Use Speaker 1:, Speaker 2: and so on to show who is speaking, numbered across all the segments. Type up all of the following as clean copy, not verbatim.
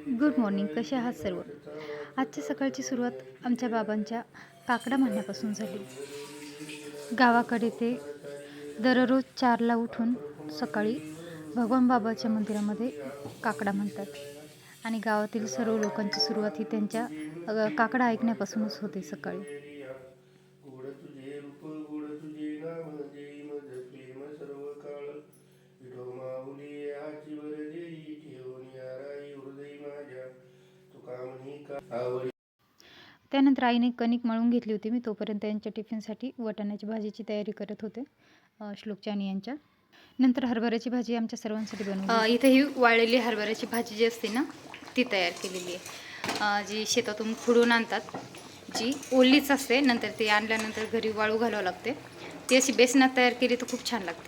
Speaker 1: Good morning. कसे आहात सर्व? आजच्या सकाळची सुरुवात आमच्या बाबांच्या काकडा म्हणण्यापासून झाली. गावाकडे ते दररोज 4ला उठून सकाळी भगवान बाबाच्या मंदिरामध्ये काकडा म्हणतात आणि गावातील सर्व लोकांची सुरुवात ही त्यांच्या काकडा ऐकण्यापासूनच होते सकाळी.
Speaker 2: गोड तुझे रूप गोड तुझे नाम देई मज प्रेम सर्व काळ विठो माऊली आची वर देई ठेवून याराई हृदय माझ्या तुका म्हणी का आवडी.
Speaker 1: त्यानंतर आईने कणिक मळून घेतली होती. मी तोपर्यंत त्यांच्या टिफिनसाठी वाटाण्याची भाजीची तयारी करत होते, श्लोकच्या आणि यांच्या. नंतर हरभऱ्याची भाजी आमच्या सर्वांसाठी बनवली. इथे ही वाळलेली हरभऱ्याची भाजी जी असते ना ती तयार केलेली आहे, जी शेतातून खुडून आणतात, जी ओलीच असते. नंतर ती आणल्यानंतर घरी वाळू घालावं लागते. ती अशी बेसनात तयार केली तर खूप छान लागते.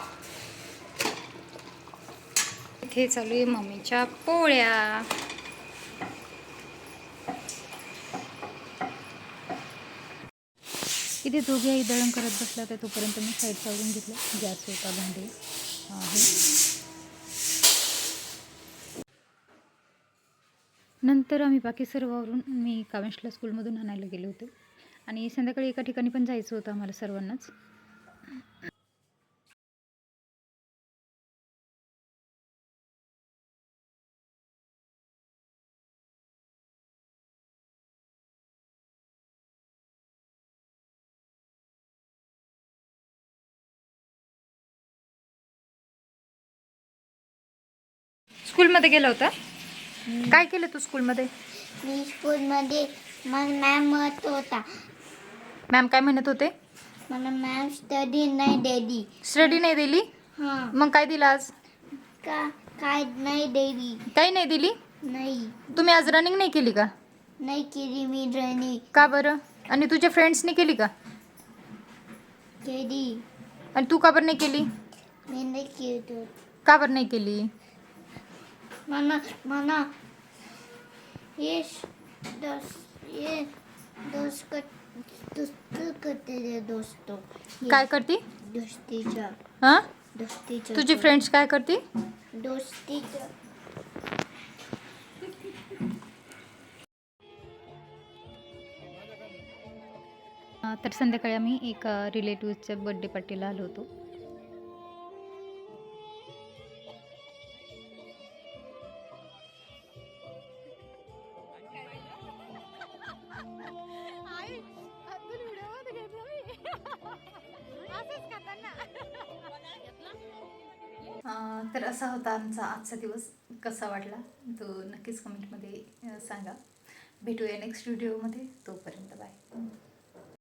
Speaker 1: इथे चालू आहे मम्मीच्या पोळ्या. इथे दोघे आई दळण करत बसला तर तोपर्यंत मी साईड चालवून घेतलं. गॅस होता, भांडे आहे. नंतर आम्ही बाकी सर्वावरून मी कामेशला स्कूलमधून आणायला गेले होते आणि संध्याकाळी एका ठिकाणी पण जायचं होतं आम्हाला सर्वांनाच. स्कूलमध्ये गेला होता? काय केलं तू स्कूलमध्ये?
Speaker 3: मी स्कूलमध्ये मग मॅम म्हणत होता.
Speaker 1: मॅम काय म्हणत होते?
Speaker 3: मला मॅम स्टडी नाही दिली.
Speaker 1: स्टडी नाही दिली?
Speaker 3: हां.
Speaker 1: मग काय दिलं आज?
Speaker 3: काय नाही दिली.
Speaker 1: काही नाही दिली?
Speaker 3: नाही.
Speaker 1: तुम्ही आज रनिंग नाही केली का?
Speaker 3: नाही केली मी रनिंग.
Speaker 1: का बरं? आणि तुझ्या फ्रेंड्सने केली का?
Speaker 3: केली.
Speaker 1: आणि तू का बरं नाही केली?
Speaker 3: मी नाही केली.
Speaker 1: का बरं नाही केली?
Speaker 3: मला ये दोस्त करते रे दोस्तो.
Speaker 1: काय करती?
Speaker 3: दोस्तीच्या.
Speaker 1: हां?
Speaker 3: दोस्तीच्या.
Speaker 1: तुझी फ्रेंड्स काय करती?
Speaker 3: दोस्तीच्या.
Speaker 1: तर संध्याकाळी आम्ही एक रिलेटिव्हच्या बर्थडे पार्टीला आलो होतो. तर असा होता आमचा आजचा दिवस. कसा वाटला तो नक्कीच कमेंटमध्ये सांगा. भेटूया नेक्स्ट व्हिडिओमध्ये. तोपर्यंत बाय.